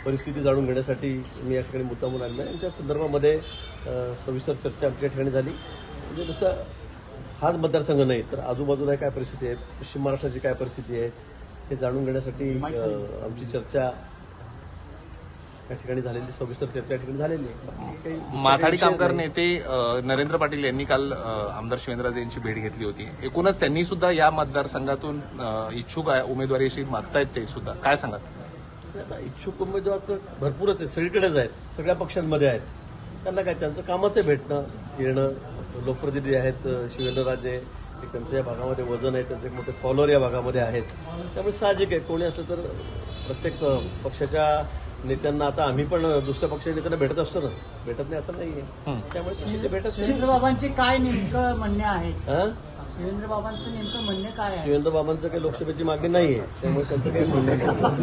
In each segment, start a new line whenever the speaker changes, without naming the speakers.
परिस्थिती जाणून घेण्यासाठी मी या ठिकाणी मुद्दामून आलेलो आहे. यांच्या संदर्भामध्ये सविस्तर चर्चा आमच्या ठिकाणी झाली. म्हणजे नुसतं हाच मतदारसंघ नाही तर आजूबाजूला काय परिस्थिती आहे, पश्चिम महाराष्ट्राची काय परिस्थिती आहे हे जाणून घेण्यासाठी आमची चर्चा या ठिकाणी झालेली, सविस्तर चर्चा या ठिकाणी झालेली आहे.
माथाडी कामगार नेते नरेंद्र पाटील यांनी काल आमदार शिवेंद्रराजे यांची भेट घेतली होती. एकूणच त्यांनी सुद्धा या मतदारसंघातून इच्छुक आहे उमेदवारीशी मागतायत, ते सुद्धा काय सांगाल?
आता इच्छुक उमेदवार तर भरपूरच आहेत, सगळीकडेच आहेत, सगळ्या पक्षांमध्ये आहेत. त्यांना काय त्यांचं कामच आहे भेटणं येणं. लोकप्रतिनिधी आहेत शिवेंद्रराजे, त्यांचं या भागामध्ये वजन आहे, त्यांचे एक मोठे फॉलोअर या भागामध्ये आहेत. त्यामुळे साहजिक आहे कोणी असलं तर प्रत्येक पक्षाच्या नेत्यांना, आता आम्ही पण दुसऱ्या पक्षाच्या नेत्यांना भेटत असतो ना, भेटत नाही असं नाहीये. त्यामुळे तशी ते भेटत.
शिवेंद्रबाबांचे काय नेमकं म्हणणे आहे?
शिवेंद्रबाबांचं
नेमकं म्हणणे काय आहे?
शिवेंद्रबाबांचं काही लोकसभेची मागणी नाहीये, त्यामुळे त्यांचं काही म्हणणं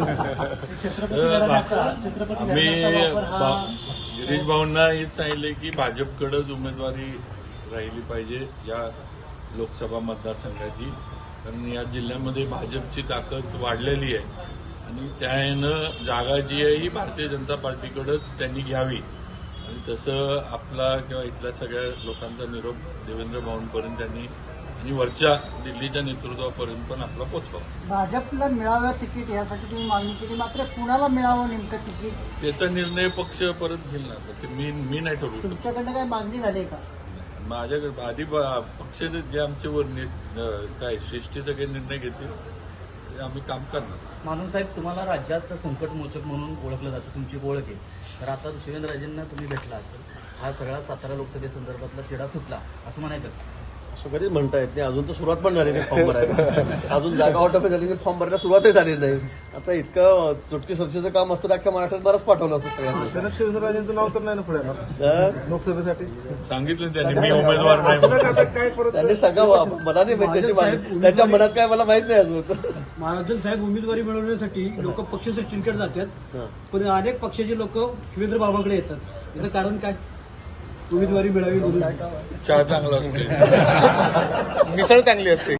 आम्ही गिरीश भाऊंना हेच सांगितले की भाजपकडेच उमेदवारी राहिली पाहिजे या लोकसभा मतदारसंघाची, कारण या जिल्ह्यामध्ये भाजपची ताकद वाढलेली आहे आणि त्यानं जागा जी आहे ही भारतीय जनता पार्टीकडेच त्यांनी घ्यावी आणि तसं आपला किंवा इथल्या सगळ्या लोकांचा निरोप देवेंद्र भाऊंपर्यंत त्यांनी आणि वरच्या दिल्लीच्या नेतृत्वापर्यंत पण आपला पोचवा.
भाजपला मिळावं तिकीट यासाठी तुम्ही मागणी केली, मात्र कुणाला मिळावं नेमकं तिकीट
त्याचा निर्णय पक्ष परत घेईल ना. ते मी नाही ठरवू शकतो.
तुमच्याकडनं काय मागणी झाली का?
माझ्याकडे आधी पक्ष जे आमच्यावर काय श्रेष्ठी सगळे निर्णय घेतील ते आम्ही काम करणार.
मानून साहेब, तुम्हाला राज्यात संकटमोचक म्हणून ओळखलं जातं, तुमची एक ओळख आहे. तर आता शिवेंद्रराजेंना तुम्ही भेटला तर हा सगळा सातारा लोकसभेसंदर्भातला तिढा सुटला असं म्हणायचं?
असं कधीच म्हणता येत नाही. अजून तर सुरुवात पण झाली नाही फॉर्म भरायला. अजून जागा वाटप झाली नाही, फॉर्म भरायला सुरुवातही झाली नाही. आता इतकं चुटकी सरशीचं काम असतं, अख्ख्या महाराष्ट्रात बरंच पाठवलं असतं सगळ्यांना.
शिवेंद्रराजेंचं नाव तर नाही ना पुढे लोकसभेसाठी
सांगितलं त्यांनी मी उमेदवार नाही.
काय परत
त्यांनी सांगावं, मला नाही माहिती त्याची माहिती, त्याच्या मनात काय मला माहित नाही अजून.
महाराष्ट्र साहेब उमेदवारी मिळवण्यासाठी लोक पक्ष सृष्टींकडे जातात, पण अनेक पक्षाचे लोक शिवेंद्र बाबाकडे येतात. याचं कारण काय? उमेदवारी मिळावी म्हणून.
चहा चांगला असतो,
मिसळ चांगली असते.